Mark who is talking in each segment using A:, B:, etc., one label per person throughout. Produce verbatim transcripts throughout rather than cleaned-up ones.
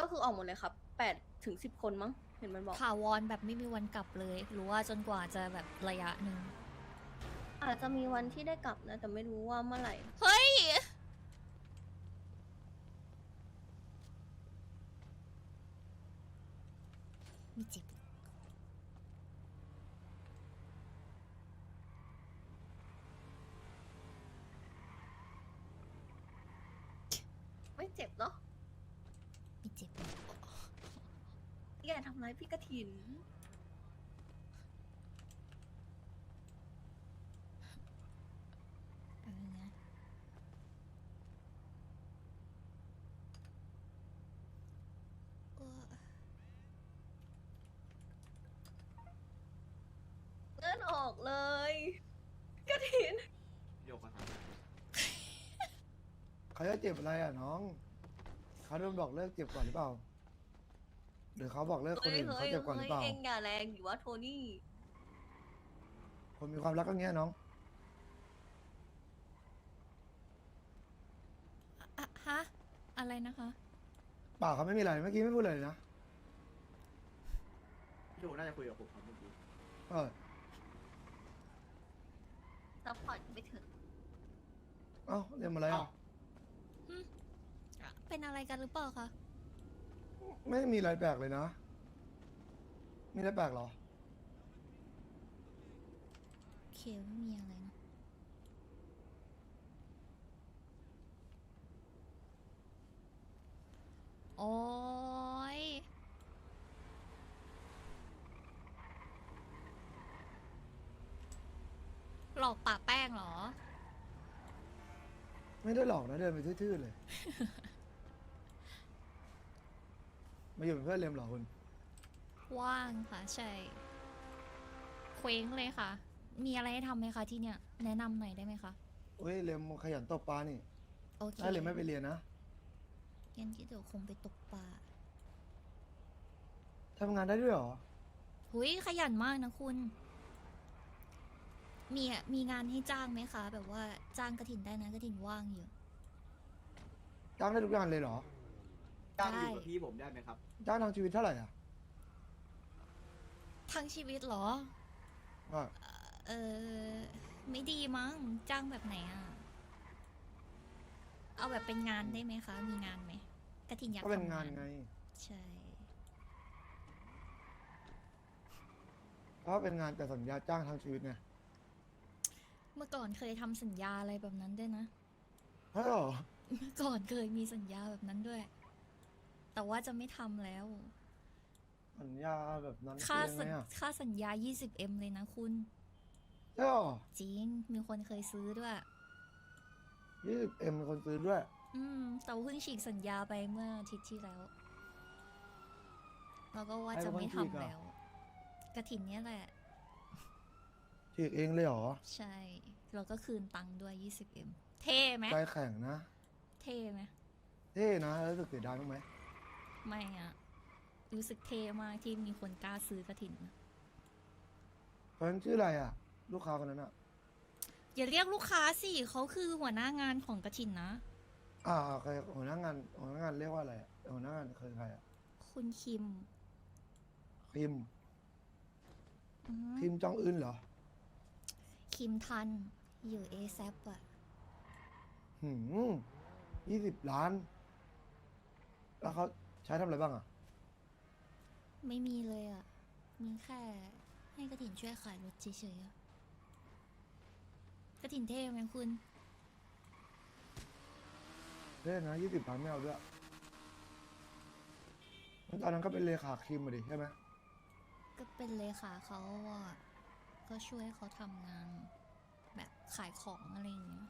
A: คือออกหมดเลยครับแปดถึงสิบคนมั้งเห็นมันบอก
B: ถาวรแบบไม่มีวันกลับเลยหรือว่าจนกว่าจะแบบระยะหนึ่ง
A: อาจจะมีวันที่ได้กลับนะ แต่ไม่รู้ว่าเมื่อไหร่
B: เฮ้ยมีเจ็บ
A: ไม่เจ็บเนาะ
B: มีเจ็บ
A: อย่าทำร้ายพี่กระถิน
B: เออนะ เออ
A: เลื่อนออกเลยกระถิน
C: โยกมาท
D: เขาจะเจ็บอะไรอ่ะน้อง เขาโดนบอกเลิกเจ็บก่อนหรือเปล่า หรือเขาบอกเลิกคน
A: เฮ้ย
D: อื่น
A: เฮ้
D: เขา
A: ย
D: เจ็บก่อนห
A: เฮ้
D: รื
A: ย
D: อเปล่า
A: เองอย่าแรงอยู่ว่าโทนี่
D: คนมีความรักก็เงี้ยน้อง
B: อะฮะ อะไรนะคะ
D: เปล่าเขาไม่มีอะไร เมื่อกี้ไม่พูดเลยนะ
C: ำพี่โยน่าจะคุยกับผมครับเมื่อกี้
D: เออ
A: ซัพพอร์ตไปเถอะ
D: เอ้าเรียนมาอะไรอ่ะ
B: เป็นอะไรกันหรือเปล่าคะ
D: ไม่มีอะไรแปลกเลยนะ มีอะไรแปลกเหรอ
B: โอเคไม่มีอะไรนะ โอ้ยหลอกป่าแป้งเหรอ
D: ไม่ได้หลอกนะเดินไปทื่อๆเลย มาอยู่เป็นเพื่อนเรียมเหรอคุณ
B: ว่างค่ะ ใช่ เคว้งเลยค่ะ มีอะไรให้ทำไหมคะที่เนี่ย แนะนำหน่อยได้ไหมคะ
D: เฮ้ยเรียมขยันตบปลานี่
B: โอเค
D: ถ้าเรียมไม่ไปเรียนนะ
B: งั้นเดี๋ยวคงไปตกปลา
D: ทำงานได้ด้วยเหรอ
B: หุยขยันมากนะคุณ มีอะมีงานให้จ้างไหมคะ แบบว่าจ้างกระถินได้นะกระถินว่างอยู่
D: จ้างได้ทุกอย่างเลยเหรอ
C: จ้างอยู่กับพี่ผมได้ไหมครับ
D: จ้างทางชีวิตเท่าไหร่อ่ะ
B: ทั้งชีวิตเหรอ
D: อ่ะ
B: เออไม่ดีมั้งจ้างแบบไหนอ่ะ เอาแบบเป็นงานได้ไหมคะ มีงานไหมกระถินอยาก
D: ก็เป็น
B: ทำ
D: งานไง
B: ใช่
D: เพราะเป็นงานแต่สัญญาจ้างทางชีวิตไง
B: เมื่อก่อนเคยทำสัญญาอะไรแบบนั้นด้วยนะ
D: ใช่เหรอ
B: เมื่อก่อนเคยมีสัญญาแบบนั้นด้วย แต่ว่าจะไม่ทำแล้ว
D: สัญญาแบบนั้น
B: ค่า
D: คือ
B: สั
D: ยัง
B: ญ
D: ไงอ่ะ
B: ค่าสัญญา ยี่สิบเอ็ม เลยนะคุณ
D: ใช่เหรอ
B: จริง มีคนเคยซื้อด้วย
D: ยี่สิบเอ็มคนซื้อด้วย
B: อืม แต่ว่าเพิ่งฉีกสัญญาไปเมื่ออาทิตย์ที่แล้ว แล้วก็ว่าจะไม่ทำแล้ว กระถินเนี้ยแหละ
D: ฉีกเองเลยเหรอ
B: ใช่ เราก็คืนตังค์ด้วย ยี่สิบเอ็ม เท่ไหม
D: ใจแข็งนะ
B: เท่ไหม
D: เท่นะแล้วรู้สึกเสียดายบ้างไหม
B: ไม่อะรู้สึกเท่มากที่มีคนกล้าซื้อกระถิน
D: คนนั้นชื่ออะไรอ่ะ ลูกค้าคนนั้นอ่ะ
B: อย่าเรียกลูกค้าสิเขาคือหัวหน้างานของกระถินนะ
D: อ่าใครหัวหน้างานหัวหน้างานเรียกว่าอะไรอะหัวหน้างานคือใครอ่ะ
B: คุณคิม
D: คิม
B: อืม
D: คิมจองอึนเหรอ
B: คิมทัน อยู่เอแซปอะ
D: หืมยี่สิบล้าน แล้วเขาใช้ทำอะไรบ้างอ่ะ
B: ไม่มีเลยอะมีแค่ให้กระถินช่วยขายรถเฉยๆอะกระถินเท่ไหมคุณ
D: เท่นะยี่สิบล้านไม่เอาด้วยงั้นตอนนั้นก็เป็นเลขาคิมมาดิใช่ไหม
B: ก็เป็นเลขาเขาอะก็ช่วยเขาทำงาน แบบขายของอะไรอย่างเงี้ย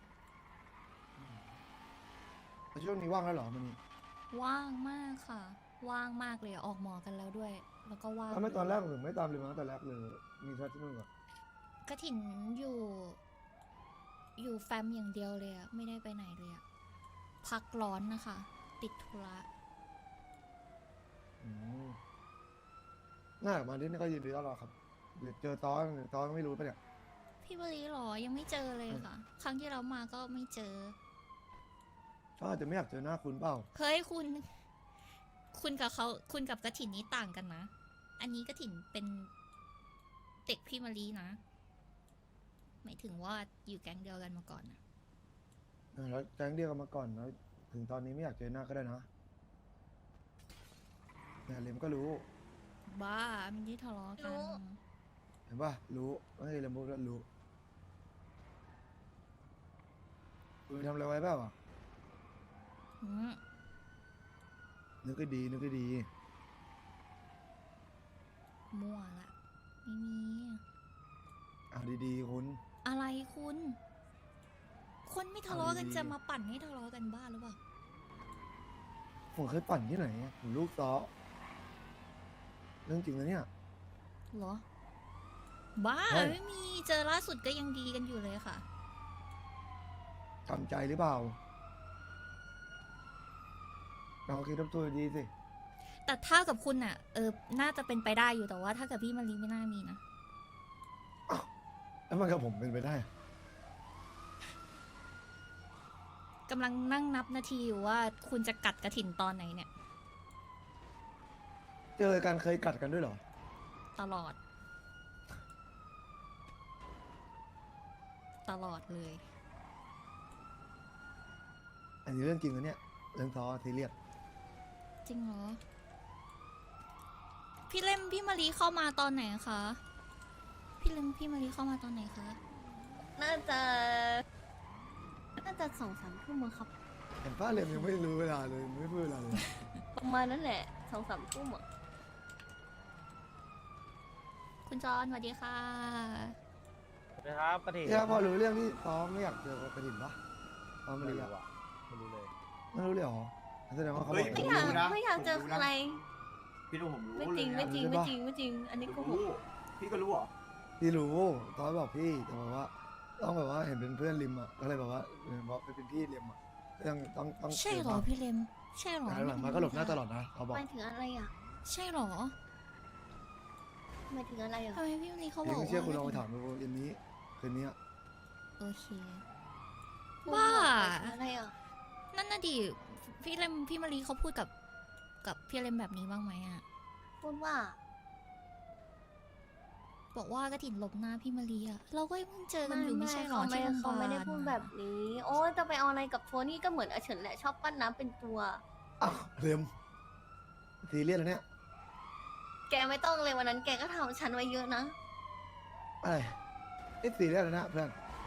D: แต่ช่วงนี้ว่างแล้วเหรอมันนี่
B: ว่างมากค่ะ ว่างมากเลยอะออกหมอกันแล้วด้วย แล้วก็ว่าง
D: แล้วไม่ตอนแรกถึงไม่ตามเลยมั้งแต่แรกเลย มีแค่ที่นู่นก่อน
B: กระถินอยู่ อยู่แฟมอย่างเดียวเลยอะไม่ได้ไปไหนเลยอะพักร้อนนะคะ ติดธุระ
D: อืมน่ามาที่นี่ก็ยินดีต้อนรับครับเดี๋ยวเจอตอนตอนไม่รู้ปะเนี่ย
B: พี่บรีหรอ ยังไม่เจอเลยค่ะ ครั้งที่เรามาก็ไม่เจอ
D: เขาอาจจะไม่อยากเจอหน้าคุณเปล่า
B: เฮ้ยคุณคุณกับเขาคุณกับกระถินนี้ต่างกันนะ อันนี้กระถินเป็นเด็กพี่มารีนะ หมายถึงว่าอยู่แก๊งเดียวกันมาก่อนนะ
D: เออแล้วแจ้งเดียวกันมาก่อนแล้วถึงตอนนี้ไม่อยากเจอหน้าก็ได้นะเนี่ยเลมก็รู้
B: บ้าไม่ได้ทะเลาะกัน
D: เห็นป่ะรู้ไม่ใช่เลมพูดก็รู้คุณทำอะไรไว้เปล่าอ่ะ
B: อืม
D: นึกให้ดีนึกให้ดี
B: มั่วละไม่มี
D: เอาดีๆคุณ
B: อะไรคุณ คนไม่ทะเลาะกัน
D: เอาดีๆ
B: จะมาปั่นให้ทะเลาะกันบ้าหรือเปล่า
D: ผมเคยปั่นที่ไหนอะผมลูกซ้อเรื่องจริงนะเนี่ย
B: เหรอ บ้า
D: ใช่
B: ไม่มีเจอล่าสุดก็ยังดีกันอยู่เลยค่ะ
D: ทำใจหรือเปล่าเราคิดทบทวนดีสิ
B: แต่ถ้ากับคุณอ่ะ เออ น่าจะเป็นไปได้อยู่แต่ว่าถ้ากับพี่มารีไม่น่ามีนะ
D: แล้วมันกับผมเป็นไปได้อะ
B: กำลังนั่งนับนาทีอยู่ว่าคุณจะกัดกระถินตอนไหนเนี่ย
D: เจอกันเคยกัดกันด้วยเหรอ
B: ตลอด ตลอดเลย
D: อันนี้เรื่องจริงนะเนี่ยเรื่องซ้อซีเรียส
B: จริงเหรอ พี่เล่มพี่มารีเข้ามาตอนไหนคะ พี่เล่มพี่มารีเข้ามาตอนไหนคะ
A: น่าจะน่าจะสองสามทุ่มมั้งครับ
D: เห็นป้าเลมยังไม่รู้เวลาเลยไม่พูดเวลาเลย
A: ประมาณนั้นแหละสองสามทุ่มอ่ะ
B: คุณจอนสวัสดีค่ะ
E: นะครับกระถิ่น
D: เนี่ยพอรู้เรื่องที่ซ้อมไม่อยากเจอกระดิ่งปะซ้อมไม่
E: ไม่
D: รู้
E: รู้
D: อะ
E: อะไม่รู้เลย
D: ไม่รู้เลยเหรอแสดงว่าเขาบ
C: เฮ้
D: อย ก
A: ไม่
D: เอง
A: อยาก
C: รู้นะ
A: ไม่อยากเจอ
C: ผมรู้นะ
A: อะไร
C: พี่รู้ผมรู้
A: ไม่จริง
C: เลย
A: ไม่
C: นะ
A: จริง
D: รู้
A: ไม่
D: ปะ
A: จริงไม่จริง อันนี้
C: ผ
A: โก
C: ม
A: หก
C: รู้พี่ก็รู้เหรอ
D: พี่รู้ซ้อมบอกพี่แต่บอกว่าต้องแบบว่าเห็นเป็นเพื่อนริมอะก็เลยบอกว่าเออบอกเป็นพี่ริมอะต้องต้องต้อง
B: ใช่เหรอพี่เล็ม ใช่เหรอ
D: แต่หลังมาก็หลบหน้าตลอดนะเขาบอก
A: หมายถึงอะไรอ่ะ
B: ใช่เหรอ
A: หมายถึงอะไรอ่ะ
B: ทำไมพี่มารีเขาบ
D: เดี๋
B: อย ก
D: วไม่เชื่อคุณลองไป
B: ว่า
D: ถามดูเย็นนี้คืนนี้อะ
B: โอเค
A: พูด
B: บ้า
A: หมายถึงอะไรอ่ะ
B: นั่นน่ะดิ พี่เล็มพี่มารีเขาพูดกับ กับพี่เล็มแบบนี้บ้างไหมอะ
A: พูดว่า
B: บอกว่ากระถินหลบหน้าพี่มารีอะเราก็เพิ่งเจอกันอยู่ไม่ใช่เหรอ
A: เขาไม่
B: ที่โรงพยา
A: เขา
B: บาล
A: ไม่ได้พูดแบบนี้ โอ้ยจะไปเอาอะไรกับโทนี่ก็เหมือนอาเฉินแหละชอบปั้นน้ำเป็นตัว
D: อ้าวเรียมซีเรียสแล้วเนี่ย
A: แกไม่ต้องเลยวันนั้นแกก็ทำฉันไว้เยอะนะ
D: อะไรไอ้ซีเรียสแล้วนะเพื่อน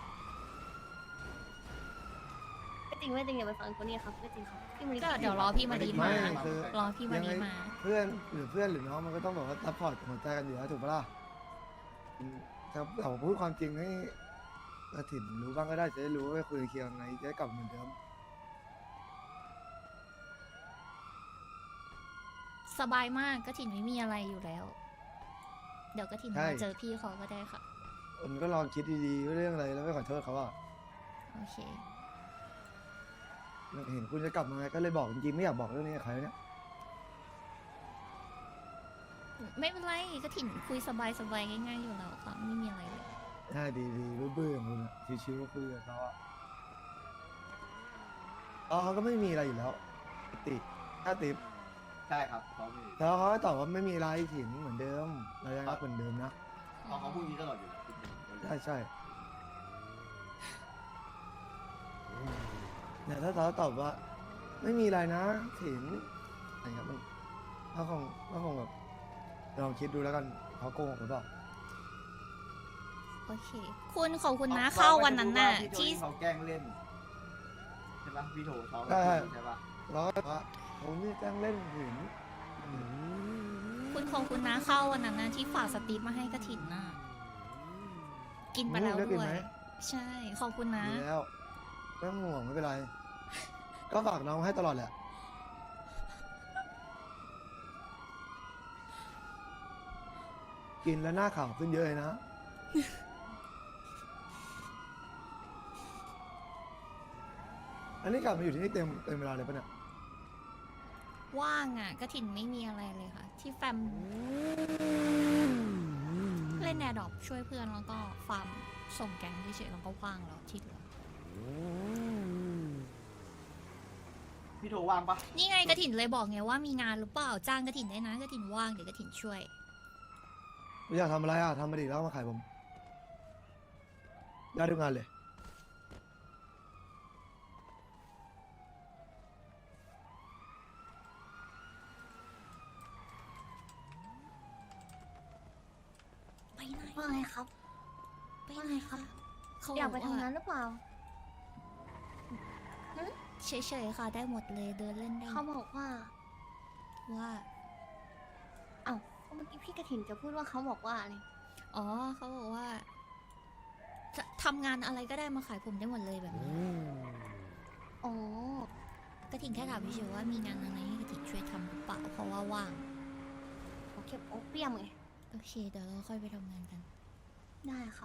A: ไม่จริงไม่จริงอย่าไปฟังโทนี่ครับไม่จริงครับพี่มาริ
B: ก็เดี๋ยวรอพี่มารี
D: ไม่
B: มา
D: คือ
B: รอพี่มารีมา
D: เพื่อนหรือเพื่อนหรือน้องมันก็ต้องแบบว่าซัพพอร์ตหัวใจกันอยู่แล้วถูกปะล่ะอืมแต่เราพูดความจริงให้กระถิ่นรู้บ้างก็ได้จะได้รู้ว่าไปคุยเคลียร์ยังไงจะได้กลับเหมือนเดิม
B: สบายมากกระถินไม่มีอะไรอยู่แล้ว เดี๋ยวกระถิน
D: ใช่
B: มาเจอพี่เขาก็ได้ค่ะ
D: มันก็ลองคิดดีๆว่าเรื่องอะไรแล้วไม่ขอโทษเขาอ่ะ
B: โอเค
D: เห็นคุณจะกลับมาไงก็เลยบอกจริงๆไม่อยากบอกเรื่องนี้กับใครเนี่ย
B: ไม่เป็นไรกระถินคุยสบายสบายๆง่ายๆอยู่แล้วค่ะไม่มีอะไรเลย
D: ได้ดีๆเบื่อๆของคุณอะชิวๆก็คุยกับเขาอ่ะอ๋อเขาก็ไม่มีอะไรอยู่แล้วติดถ้าติด
C: ใช่ครับเขาไม่
D: แล้วเขาก็ตอบว่าไม่มีอะไรถิ่นเหมือนเดิมเรายังรักเหมือนเดิมนะ
C: เขาเขาพูดอย่างนี้ตลอดอยู่แล้วพี่
D: ใช่ใช่แต่ถ้าเขาตอบว่า ไม่มีอะไรนะถิ่นอะไรครับมันเขาคงเขาคงแบบลองคิดดูแล้วกันเขาโกหกหรือเปล่า
B: โอเค คุณขอบคุณนะเข้าวันนั้นน่ะ
C: ที่
B: ที่
C: เขาแกล้งเล่นใช่ปะพี่โถเขา
D: ใช่
C: ใช่ปะ
D: แล้วก็ว่าผมนี่แกล้งเล่นหินอืม
B: คุณขอบคุณนะเข้าวันนั้นน่ะที่ฝากสตีฟมาให้กระถินน่ะกินไปแล้ว
D: ได้กิน
B: ด้ว
D: ไหม
B: ย ใช่ขอบคุณนะ
D: ดีแล้วไม่ต้องห่วงไม่เป็นไร ก็ฝากน้องให้ตลอดแหละ กินแล้วหน้าขาวขึ้นเยอะเลยนะ อันนี้กลับมาอยู่ที่นี่เต็มเต็มเวลาเลยปะเนี่ย
B: ว่างอ่ะกระถินไม่มีอะไรเลยค่ะ ที่แฟมเล่นแอร์ดรอปช่วยเพื่อนแล้วก็ฟาร์มส่งแก๊งเฉยๆแล้วก็ว่างแล้วที่เหลือ
C: พี่โทว่างปะ
B: นี่ไงกระถินเลยบอกไงว่ามีงานหรือเปล่าจ้างกระถินได้นะกระถินว่างเดี๋ยวกระถินช่วย
D: อยากทำอะไรอ่ะทำมาดิแล้วมาขายผมได้ทุกงานเลย
B: ไปไหน
A: ว่าไงครับ
B: ไปไหนครับเขา
A: อยากไป
B: บ
A: ทำงาน
B: ว่
A: หรือเปล่า
B: เฉยๆค่ะได้หมดเลยเดินเล่นได้
A: เขาบอกว่า
B: ว่า
A: เอ้าเมื่อกี้พี่กระถินจะพูดว่าเขาบอกว่าอะไร
B: อ๋อเขาบอกว่าจะทำงานอะไรก็ได้มาขายผมได้หมดเลยแบบนี้
A: อ๋อก
B: ระถินแค่ถามเฉยๆว่ามีงานอะไรให้กระถินช่วยทำหรือเปล่าเพราะว่าว่าง
A: เขาเก็บโอเปียมไง
B: โอเคเดี๋ยวเราค่อยไปทำงานกัน
A: ได้ครับ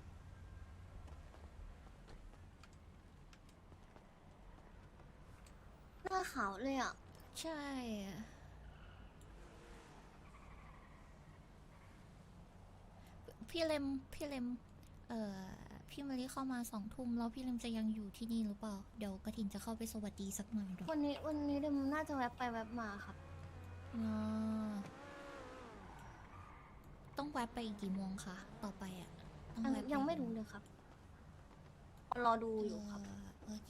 A: หน้าขาวเลยอ่ะ
B: ใช่อะพี่เลมพี่เลมเอ่อพี่มารีเข้ามาสองทุ่มแล้วพี่เลมจะยังอยู่ที่นี่หรือเปล่าเดี๋ยวกระถินจะเข้าไปสวัสดีสักหน่อยหรอ
A: วันนี้วันนี้เดมน่าจะแวบไปแวบมาครับ
B: อ๋อต้องแวะไปอีกกี่โมงคะต่อไปอ่ะต้อง
A: ยัง
B: แวะป
A: ยังไม่รู้เลยครับ รอดูอยู่ครับ
B: เออโอเค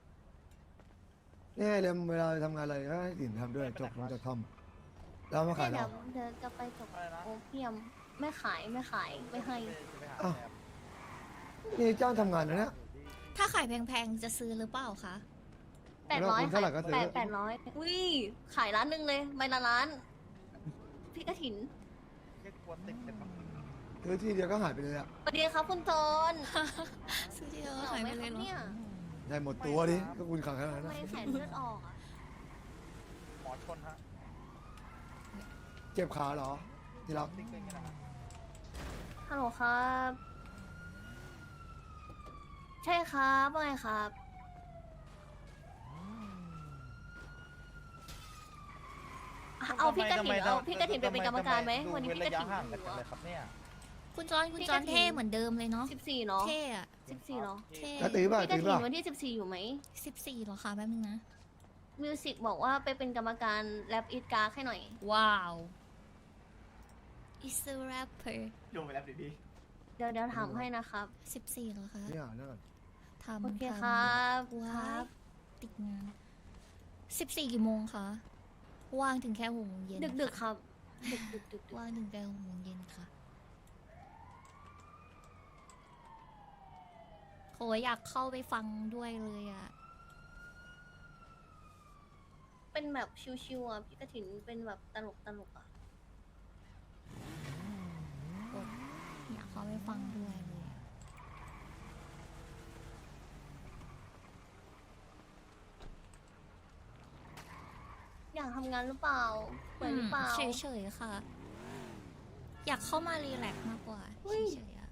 D: นี่ไงเรียมเวลาทำงานอะไรก็ให้ถิ่นทำด้วยจบผมจะทำแล้วมาขาย
A: เดี๋
D: เรา
A: ยวเดี๋ยวจะไปจบ
E: อะไรนะ
A: โอเปียม ไม่ขายไม่ขายไม่ให้
E: จะไปหา
D: อ้าว
E: แอม
D: นี่จ้างทำงานนะเนี่ย
B: ถ้าขายแพงๆจะซื้อหรือเปล่าคะ
A: แปดร้อย
D: คุณเท่าไหร่ก็ซื้อ
A: แปดแปดร้อยอุ้ยขายร้านหนึ่งเลยใบละล้าน พี่กระถิน
E: แค่กลัวติดเป็นแบบ
D: คือที่เดียวก็หายไปเลยอ่ะ
A: สวัสดีครับคุณโจน
B: ซื้อที่เดียว
A: เห
B: ก็
A: งา
B: ขาย
A: ไหม
B: ไป
A: ค
B: เล
A: รั
B: ย
A: บ
B: เหรอ
A: เนี่ย
D: ได้หมดตัวดิก็คุณขังขนาดนั้น
A: ทำไม
D: นะ
A: แขนเลือดออกอ่ะ
E: หมอชนฮะ
D: เจ็บขาเหรอที่รัก
E: ติ๊กเลยนี่แหละฮะ
A: ฮัลโหลครับ ใช่ครับว่าไงครับ เอาพี่กระถินเอาพี่กระถินไปเป็นกรรมการไหมวันนี้พี่กระถิน
E: ห่าง
A: อ
E: กัน
A: ยู่
E: เลยครับเนี่ย
B: คุณจอนคุณจอนเท่เหมือนเดิมเลยเนาะ
A: สิบสี่เนาะ
B: เท่อะ
A: สิบสี่เนาะ
B: เท่
D: แล้วตีป่ะ
A: พี่ก
D: ตี
A: ระถิน
D: ป่ะ
A: วันที่สิบสี่อยู่ไหม
B: สิบสี่เหรอคะแป๊บนึงนะ
A: มิวสิกบอกว่าไปเป็นกรรมการแรปอีทการ์ให้หน่อย
B: ว้าว is a rapper
C: โยนไปแล้วดิพี่
A: เดี๋ยวเดี๋ยวถามให้นะครับ
B: สิบสี่เหรอคะ
D: นี่อ่านนั่นก่อน
B: ทำ
A: โอเค
B: ทำ
A: ครับค
B: ว้า
A: รั
B: ย
A: บ
B: ติดงานสิบสี่กี่โมงคะ ว่างถึงแค่หกโมงเย็น
A: ดึกดึกๆครับ ดึกดึกดึก
B: ว่างถึงแค่หกโมงเย็นค่ะโหอยากเข้าไปฟังด้วยเลยอะ
A: เป็นแบบชิวๆอ่ะพี่กระถินเป็นแบบตลกตลกๆอ่ะ
B: กดอยากเข้าไปฟังด้วยเลยอะ
A: อยากทำงานหรือเปล่าเปิดหรือเปล่า
B: เฉยๆค่ะ อยากเข้ามารีแลกซ์มากกว่า
A: เฮ้ย
B: เฉยๆอะ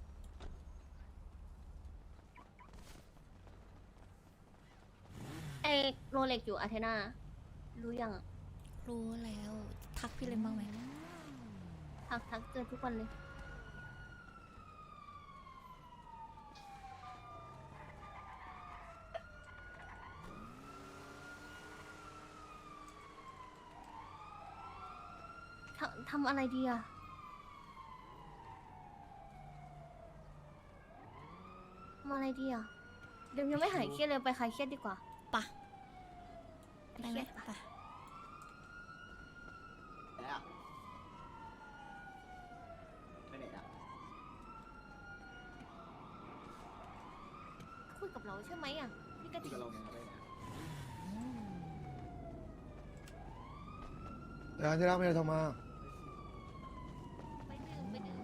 A: ไอโรเล็กอยู่อาเทนารู้ยังอะ
B: รู้แล้ว ทักพี่เลนบ้างไหม
A: ทักทักเจอทุกวันเลย ทำทำอะไรดีอะทำอะไรดีอะเดี๋ยวยังไม่หายเครียดเลยไปคลายเครียดดีกว่า
B: ปะ
A: ไป
B: ได้
A: เค
B: ไหม
A: รียดปะ
B: ปะ
C: ไปแล้วไปไหนอ่ะ
A: คุยกับเราใช่ไหมอะพี่กระ
C: คุย
A: ถิ่
C: กับ
A: น
C: เราไงไปไหนอะ
D: แต่ที่รักไม่ได้โทรมา
A: ไปดื่มไปดื่ม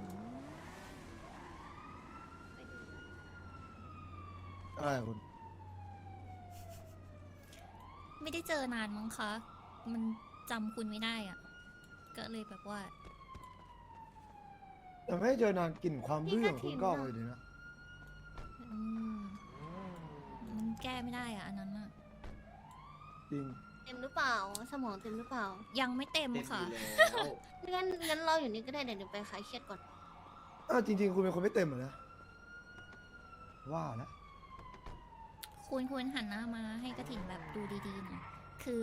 A: ไปดื่ม
D: อะไรอะคุณ
B: ไม่ได้เจอนานมั้งคะ มันจำคุณไม่ได้อ่ะ ก็เลยแบบว่า
D: แต่ไม่ได้เจอนานกลิ่นความบื้อของคุณก็ออกเลยดีนะ
B: อืมมันแก้ไม่ได้อ่ะ อันนั้นอ่ะ
D: จริง
A: เต็มหรือเปล่า สมองเต็มหรือเปล่า
B: ยังไม่เต็ม
C: เต็ม
B: ค่ะ
C: อยู่แล้ว
A: งั้นงั้นเราอยู่นี่ก็ได้เดี๋ยวเดี๋ยวไปคลายเครียดก่อน
D: อ้าวจริง ๆ คุณเป็นคนไม่เต็มเหรอนะว่าแล้ว
B: คุณควรหันหน้ามาให้กระถิ่นแบบดูดีๆหน่อยคือ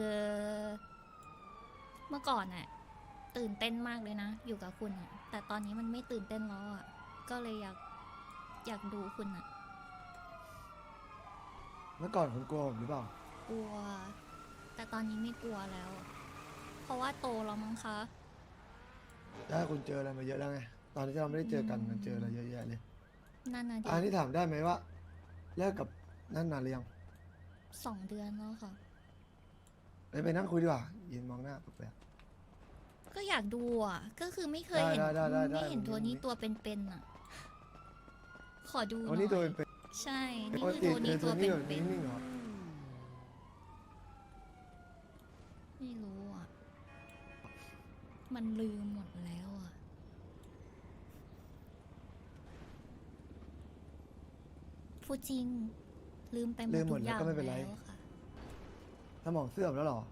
B: เมื่อก่อนอะตื่นเต้นมากเลยนะ อยู่กับคุณอะแต่ตอนนี้มันไม่ตื่นเต้นแล้วอะก็เลยอยากอยากดูคุณอะ
D: เมื่อก่อนคุณกลัวผมหรือเปล่าก
B: ลัว แต่ตอนนี้ไม่กลัวแล้ว เพราะว่าโตแล้วมั้งคะ
D: ถ้าคุณเจออะไรมาเยอะแล้วไง ตอนที่เราไม่ได้เจอกันมันเจออะไรเยอะแยะเลย
B: นั่นนะดิ
D: อันนี้ถามได้ไหมว่าเลิกกับนั่นนานหรือยัง
B: สองเดือนแล้วค่ะ
D: ไปไปนั่งคุยดีกว่ายืนมองหน้าแปลก
B: ก็อยากดูอ่ะ ก็คือไม่เคยเห็น
D: ได้ได้ได้ได้
B: ไม่เห็น
D: ได้
B: ตัวนี้
D: ได้
B: ตัวเป็นๆอ่ะ ขอดูห
D: ๆ
B: น่
D: วัน
B: อ
D: นี้ตัวย เป็น
B: ใช่
D: ๆ
B: นี่
D: ปก
B: คือ
D: ติ
B: ตัว
D: เจ
B: นี้
D: อ
B: ตั
D: ตัว วนี้
B: เป็น
D: แบบนิ่งๆเหรอ
B: ๆไม่รู้อ่ะ มันลืมหมดแล้วอ่ะ พูดจริง ลืมไปหม
D: ลื
B: ด
D: มหม
B: ทุ
D: ด
B: ก
D: แล้
B: อ
D: ว
B: ย่าง
D: ก็ไม่เป็นไร
B: แล้วค่ะ
D: สมองเสื่อมแล้วเหรอ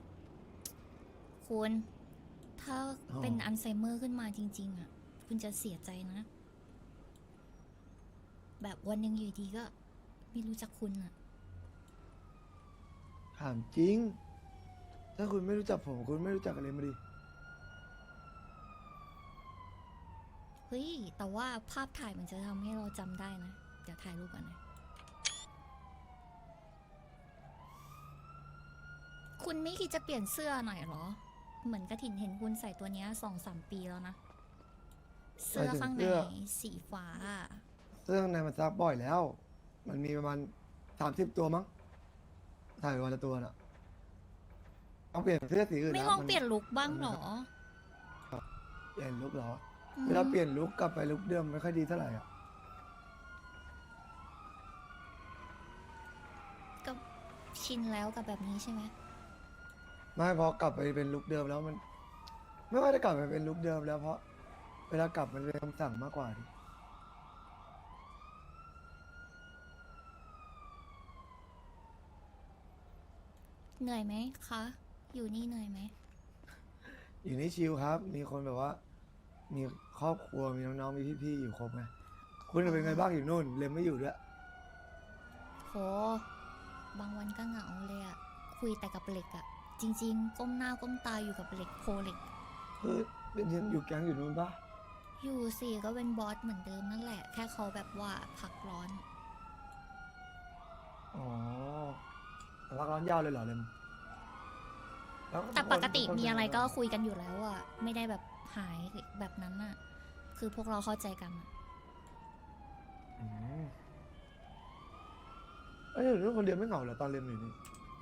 B: คุณ ถ้า
D: อ๋อ
B: เป็นอัลไซเมอร์ขึ้นมาจริง ๆ อ่ะ คุณจะเสียใจนะ แบบวันหนึ่งอยู่ดีก็ ไม่รู้จักคุณอ่ะ
D: ถามจริง ถ้าคุณไม่รู้จักผม คุณไม่รู้จักอะไรมาดิ
B: เฮ้ย แต่ว่าภาพถ่ายมันจะทำให้เราจำได้นะ เดี๋ยวถ่ายรูปกันนะ คุณไม่คิดจะเปลี่ยนเสื้อหน่อยเหรอ เหมือนกระถินเห็นคุณใส่ตัวเนี้ยสองสามปีแล้วนะ เสื้อข้างในสีฟ้าอะ
D: เสื้อข้างในมันซักบ่อยแล้ว มันมีประมาณสามสิบตัวมั้ง ถ่ายวันละตัวน่ะต้องเปลี่ยนเสื้อสีอื่น
B: ไม่
D: นะ
B: ลอง
D: มัน
B: เปลี่ยนลุคบ้างเหรอ
D: เปลี่ยนลุคเหรอ
B: อืม
D: เวลาเปลี่ยนลุคกลับไปลุคเดิมไม่ค่อยดีเท่าไหร่อ่ะ
B: ก็ชินแล้วกับแบบนี้ใช่ไหม
D: ไม่พอกลับไปเป็นลุคเดิมแล้วมัน ไม่ว่าจะกลับไปเป็นลุคเดิมแล้วเพราะ เวลากลับมันเป็นคำสั่งมากกว่าดิ
B: เหนื่อยไหมคะ อยู่นี่เหนื่อยไหม
D: อยู่นี่ชิลครับ มีคนแบบว่า มีครอบครัว มีน้องๆ มีพี่ๆ อยู่ครบไง คุณเป็นไงบ้างอยู่นู่น เลมไม่อยู่ด้วย
B: โห บางวันก็เหงาเลยอะคุยแต่กับเหล็กอะจริง ๆ ก้มหน้าก้มตาอยู่กับเหล็กโพเหล็ก
D: เฮ้ยเป็นยังอยู่แก๊งอยู่นู่นปะ
B: อยู่สิก็เป็นบอสเหมือนเดิมนั่นแหละ แค่เขาแบบว่าพักร้อน
D: อ๋อแต่พักร้อนยาวเลยเหรอเลมล้ว
B: แต่ปกติ
D: คน
B: มีอะไร
D: เป็นง
B: ก็
D: บ้าง
B: คุยกันอยู่แล้วอะไม่ได้แบบหายแบบนั้นอะคือพวกเราเข้าใจกันอะ
D: อืมเอ้ยอยู่นู่นคนเดียวไม่เหงาเหรอตอนเรียนอยู่นี่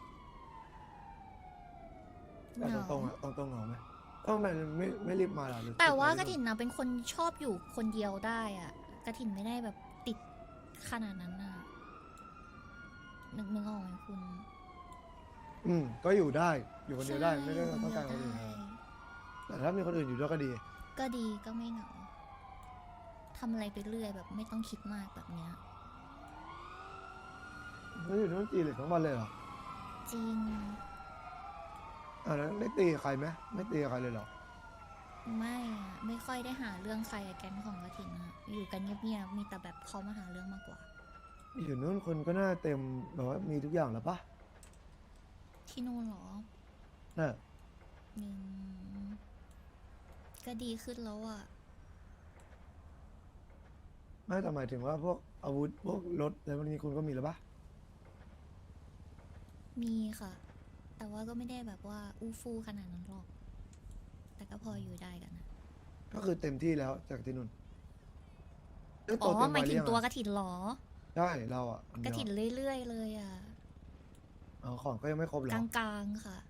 D: แต่
B: เหงา
D: ตรงๆอะตรงๆเหงาไหมทำไมไม่ไม่รีบมาล่ะหรือ
B: แต่ว่า
D: ติด
B: ก
D: อะ
B: ระ
D: ไร
B: ถินนะเป็นคนชอบอยู่คนเดียวได้อะกระถินไม่ได้แบบติดขนาดนั้นอะนึกนึกออกไหมคุณ
D: อืมก็อยู่ได้ อยู่คนเดียวได้ ไม่ได้
B: ใช่
D: ต้องการ
B: อ
D: คน
B: ยู่
D: อื่น
B: ได้
D: แต่ถ้ามีคนอื่นอยู่ด้วยก็ดี
B: ก็ดีก็ไม่เหงาทำอะไรไปเรื่อยแบบไม่ต้องคิดมากแบบเนี้ย
D: แล้วอยู่นู่นตีเหล็กทั้งวันเลยเหรอ
B: จริง
D: อ่าแล้วไม่ตีกับใครไหมไม่ตีกับใครเลยเหรอ
B: ไม่อะไม่ค่อยได้หาเรื่องใครอะแก๊งของกระถินอะอยู่กันเงียบๆมีแต่แบบเขามาหาเรื่องมากกว่า
D: อยู่นู่นคนก็น่าเต็มแบบว่ามีทุกอย่างแล้วปะ
B: ที่นู่นเหรอ
D: น่ะ
B: หนึ่งก็ดีขึ้นแล้วอะ
D: ไม่แต่หมายถึงว่าพวกอาวุธพวกรถอะไรพวกนี้คุณก็มีแล้วปะ
B: มีค่ะ แต่ว่าก็ไม่ได้แบบว่าอู้ฟู่ขนาดนั้นหรอก แต่ก็พออยู่ได้กันนะ
D: ก็คือเต็มที่แล้วจากที่นู่นเอ้ย
B: อ๋อ
D: เต็
B: หมายถึง
D: วั
B: ตัว
D: หรือยัง
B: กระถินเหรอ
D: ใช่เราอ่ะคน
B: ก
D: เดี
B: ระ
D: ยว
B: ถินเรื่อยๆเลยอะ
D: อ๋อของก็ยังไม่ครบเหรอก
B: ลางๆค่ะ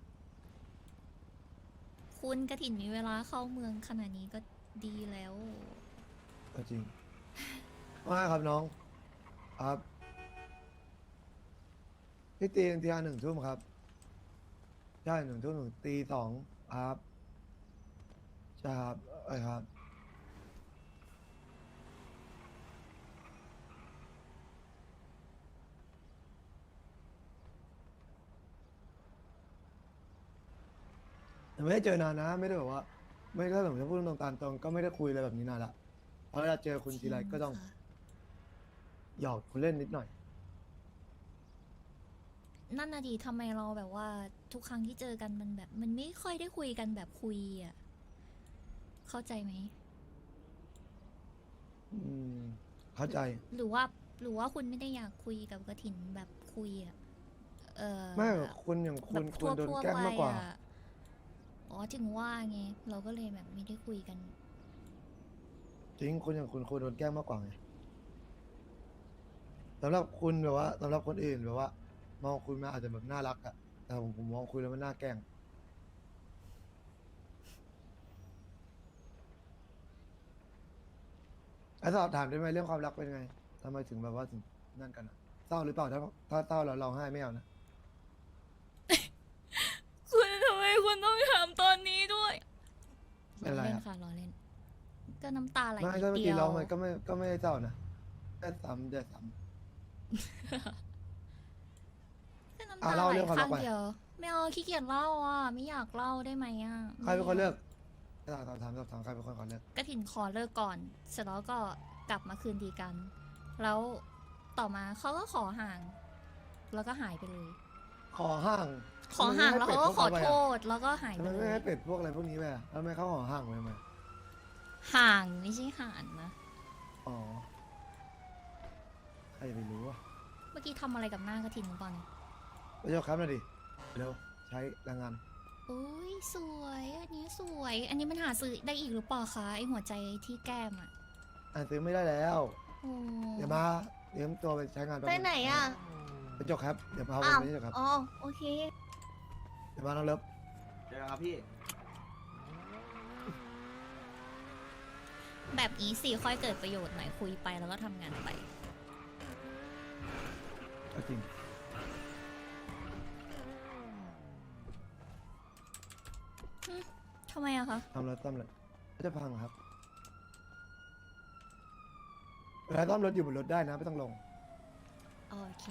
B: คุณกระถินมีเวลาเข้าเมืองขนาดนี้ก็ดีแล้ว
D: ก็จริงว่าไงครับน้องครับพี่ตีตีหนึ่งทุ่มครับใช่หนึ่งทุ่มหนึ่งตีสองครับใช่ครับไอ้ยครับแต่ไม่ได้เจอนานนะ ไม่ได้แบบว่า ไม่ได้แบบจะพูดตรงๆตามตรงก็ไม่ได้คุยอะไรแบบนี้นานละเพราะเวลาเจอคุณทีไรก็ต้อง
B: จริค่ะ
D: หยอกคุณเล่นนิดหน่อย
B: นั่นน่ะดีทำไมเราแบบว่าทุกครั้งที่เจอกันมันแบบ มันไม่ค่อยได้คุยกันแบบคุยอ่ะ เข้าใจไหม
D: อืมเข้าใจ
B: หรือว่าหรือว่าคุณไม่ได้อยากคุยกับกระถินแบบคุยอ่ะ เออ
D: ไม่หรอกคุณอย่าง
B: แบ
D: คุณ
B: บ
D: ควรโดน
B: ทั่วๆ
D: แกล้งมากกว่า
B: ไปอะอ๋อถึงว่าไง เราก็เลยแบบไม่ได้คุยกัน
D: จริงคุณอย่างคุณควรโดนแกล้งมากกว่าไงสำหรับคุณแบบว่าสำหรับคนอื่นแบบว่า มองคุณมาอาจจะแบบน่ารักอะแต่ผมผมมองคุณแล้วมันน่าแกล้งไอ้สอบถามได้ไหมเรื่องความรักเป็นไงทำไมถึงแบบว่าถึงนั่นกันอะเศร้าหรือเปล่าถ้าถ้าเศร้าแล้วร้องไห้ไม่เอานะ
B: คุณทำไมคุณต้องถามตอนนี้ด้วย
D: เป็นไร
B: เล่น
D: อะ
B: ค่ะรอเล่น ก็น้ำตาไหล
D: ไม่
B: นิด
D: ก็เมื่อ
B: เดี
D: กี้
B: ยว
D: ร้องมันก็ไม่ก็ไม่ได้เศร้านะแค่ซ้ำแต่ซ้
B: ก็น้ำ
D: อ่ะ
B: ตา
D: เล่า
B: ไหล
D: เรื่องความรั
B: ข้าก ง
D: ไป
B: เดียว ไม่เอาขี้เกียจเล่าอ่ะ ไม่อยากเล่าได้ไหมอ่ะ
D: ำใครเป็นคนเลิกถามถามถามถามใครเป็นคนขอเลิก
B: กระถินขอเลิกก่อน เสร็จแล้วก็กลับมาคืนดีกัน แล้วต่อมาเขาก็ขอห่าง แล้วก็หายไปเลย
D: ขอห่าง
B: ขอห่างแล้วเขาก็ขอโท
D: ษ
B: ษ แล้วก็หาย
D: ทำ
B: ไป
D: ไม
B: เล
D: ไม่
B: ย
D: ให้เป็ดพวกอะไรพวกนี้ไปอะทำไมเขาขอห่างไปทำไม
B: ห่างไม่ใช่ห่านนะ
D: อ๋อใครจะไปรู้อะ
B: เมื่อกี้ทำอะไรกับหน้ากระถินหรือเปล่าเนี่ย
D: ไปยกครับหน่อยดิเร็วใช้แรงงาน
B: อุ้ยสวย อันนี้สวย อันนี้มันหาซื้อได้อีกหรือเปล่าคะไอหัวใจที่แก้มอ่ะ
D: อ่านซื้อไม่ได้แล้ว
B: โอ้
D: เดี๋ยวมาเตรียมตัวไปใช้งานแป๊บ
A: ไป
D: ง
A: ไหนอ่ะ
D: ไปจกครับเดี๋ยวพาไป
A: อ้าว
D: ไปจกครับ
A: อ๋อ โอเค
D: เดี๋ยวมาน้องเลิฟ
C: เจอกันครับพี่
B: แบบนี้สิค่อยเกิดประโยชน์หน่อยคุยไปแล้วก็ทำงานไป
D: เอาจริง
B: ทำไมอะคะ
D: ทำรถซ่อมเลยก็จะพังเหรอครับเวลาซ่อมรถอยู่บนรถได้นะไม่ต้องลง
B: โอเค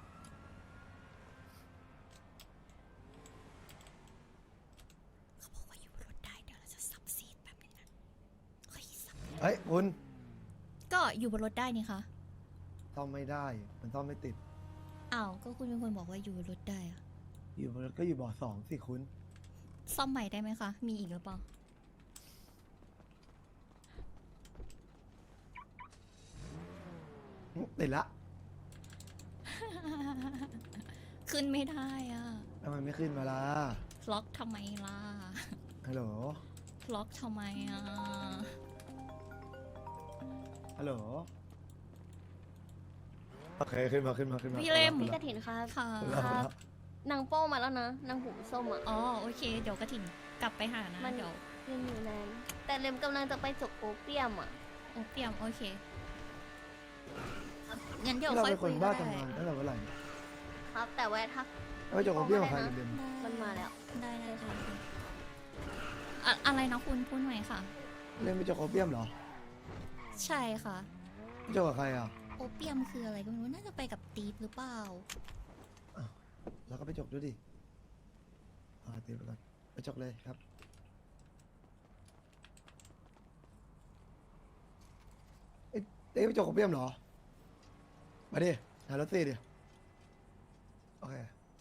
B: เขาบอกว่าอยู่บนรถได้เดี๋ยวเราจะซับซีดแบบนึงนะเฮ้ยซับ
D: เฮ้ยคุณ
B: ก็อยู่บนรถได้นี่คะ
D: ซ่อมไม่ได้ มันซ่อมไม่ติด
B: อ้าว ก็คุณเป็นคนบอกว่าอยู่บนรถได้อะ
D: อยู่บนรถก็อยู่เบาะสองสิคุณ
B: ซ่อมใหม่ได้ไหมคะ มีอีกหรือเปล่า
D: ติดละ
B: ขึ้นไม่ได้อะ
D: ทำไมไม่ขึ้นมาล่ะ
B: ล็อกทำไมล่ะ
D: ฮัลโหล
B: ล็อกทำไมอ่ะ
D: ฮัลโหลโอเคขึ้นมาขึ้นมาขึ้นมา
B: พี่เล่ม
D: ขึ้
A: พี่
D: น
A: ก
D: มา
A: ระถินครับ
B: ค่ะ
D: ขึ้นมาขึ้นมา
A: นางโป้มาแล้วนะ นางหูส้มอ่ะ
B: อ๋อ โอเค เดี๋ยวกระถิ่นกลับไปหานะ
A: มัน
B: เดี๋ยว
A: ยังอยู่นาน แต่เลมกำลังจะไปจกโอเปียมอ่ะ
B: โอเปียม โอเค งั้นเดี๋ยว
D: เรา
B: ค่อย
D: เป็นค
B: คุย
D: น
B: ก็
D: บ้า
B: ได้
D: ทำงานตั้งแต่เมื่อไหร่
A: ครับ แต่แวะทัก
D: แล้วไปจบกับเบี้ยกับใครเรียน
A: มันมาแล้ว
B: ได้ได้ได้ได้อะอะไรนะคุณพูดใหม่ค่ะ
D: เล่นไปจบกับเบี้ยมเหรอ
B: ใช่ค่ะ
D: ไปจบกับใครอ่ะ
B: โอเปียมคืออะไรก็ไม่รู้ น่าจะไปกับตีฟหรือเปล่า
D: แล้วก็ไปจบด้วยดิอ่าเตรียมไปก่อนไปจบเลยครับเอ้ยเต้ไปจบกับเบี้ยมเหรอมาดิหารถตีดิโอเค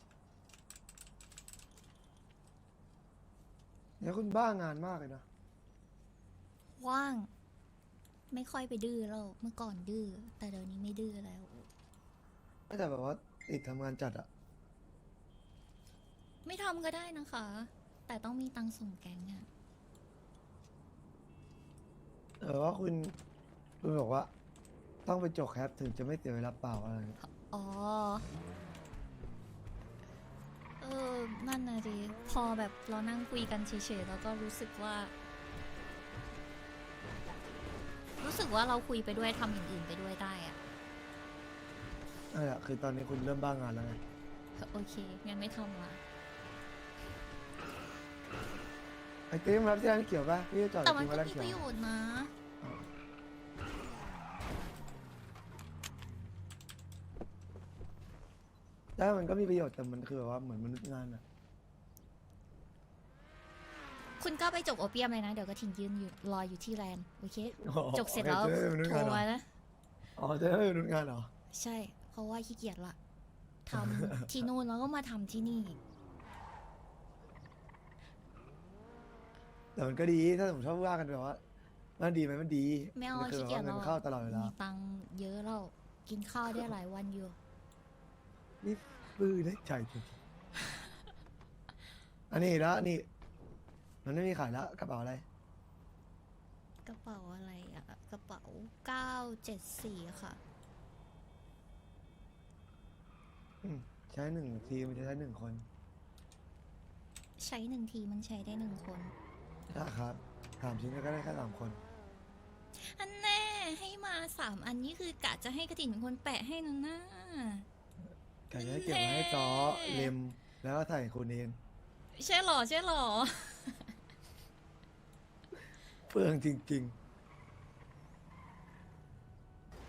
D: เนี่ยคุณบ้างานมากเลยนะ
B: ว่าง ไม่ค่อยไปดื้อแล้ว เมื่อก่อนดื้อ แต่เดี๋ยวนี้ไม่ดื้อแล้ว
D: แต่แบบว่าติดทำงานจัดอะ
B: ไม่ทำก็ได้นะคะ แต่ต้องมีตังค์ส่งแก๊งอะ
D: เออว่าคุณคุณบอกว่า ต้องไปจบแคปถึงจะไม่เสียเวลาเปล่าอะไรอย่างเงี้ย
B: อ๋อ เออ นั่นนะดิ พอแบบเรานั่งคุยกันเฉยๆ แล้วก็รู้สึกว่า รู้สึกว่าเราคุยไปด้วยทำอย่างอื่นไปด้วยได้อะ
D: นั่นแหละคือตอนนี้คุณเริ่มบ้างานแล้วไง
B: โอเค งั้นไม่ทำละ
D: ไอ้เต้มรับที่ร้านเขียวป่ะพี่จะจอด
B: แต่มัน
D: กิน
B: ก็
D: มาร้าน
B: มี
D: เขีย
B: ป
D: ว
B: ระโยชน์นะ
D: ได้มันก็มีประโยชน์แต่มันคือแบบว่าเหมือนมนุษย์งานอะ
B: คุณก็ไปจบโอเปียมเลยนะ เดี๋ยวก็ทิ้งยืนอยู่รออยู่ที่แลนด์โอเค
D: อ๋อ
B: จบเสร็จแล้ว
D: โอคจะได้เป็นมนุษย์
B: โทรง
D: านเหรอ
B: มานะ
D: อ๋อจะได้เป็นมนุษย์งานเหรอ
B: ใช่ เพราะว่าขี้เกียจละทำ ที่นู่นแล้วก็มาทำที่นี่
D: แต่มันก็ดีถ้าผมชอบว่ากันแบบว่ามันดีไหมมันดี
B: ไม่เอา
D: นคือ
B: ขี้เกียจ
D: แบบว่าเงิ
B: เรา
D: นเข้าตลอดเวลา
B: มีตังค์เยอะเรากินข้าวได้หลายวันอยู่
D: นี่ปื้อได้ใจจริงอันนี้แล้วนี่ มันไม่มีขายแล้วกระเป๋าอะไร
B: กระเป๋าอะไรอะกระเป๋าเก้าเจ็ดสี่ค่ะ
D: อืมใช้หนึ่งทีมันจะใช้หนึ่งคน
B: ใช้หนึ่งทีมันใช้ได้หนึ่งคน
D: นะครับสามชิ้นก็ได้แค่สามคน
B: อันแน่ให้มาสามอันนี้คือกะจะให้กระถิ่นเป็นคนแปะให้นะนะ
D: แต่จะให้เก็บไว้ให้จอเล็มแล้วก็ใส่คุณเอง
B: ใช่หรอใช่หรอ
D: เฟืองจริง ๆ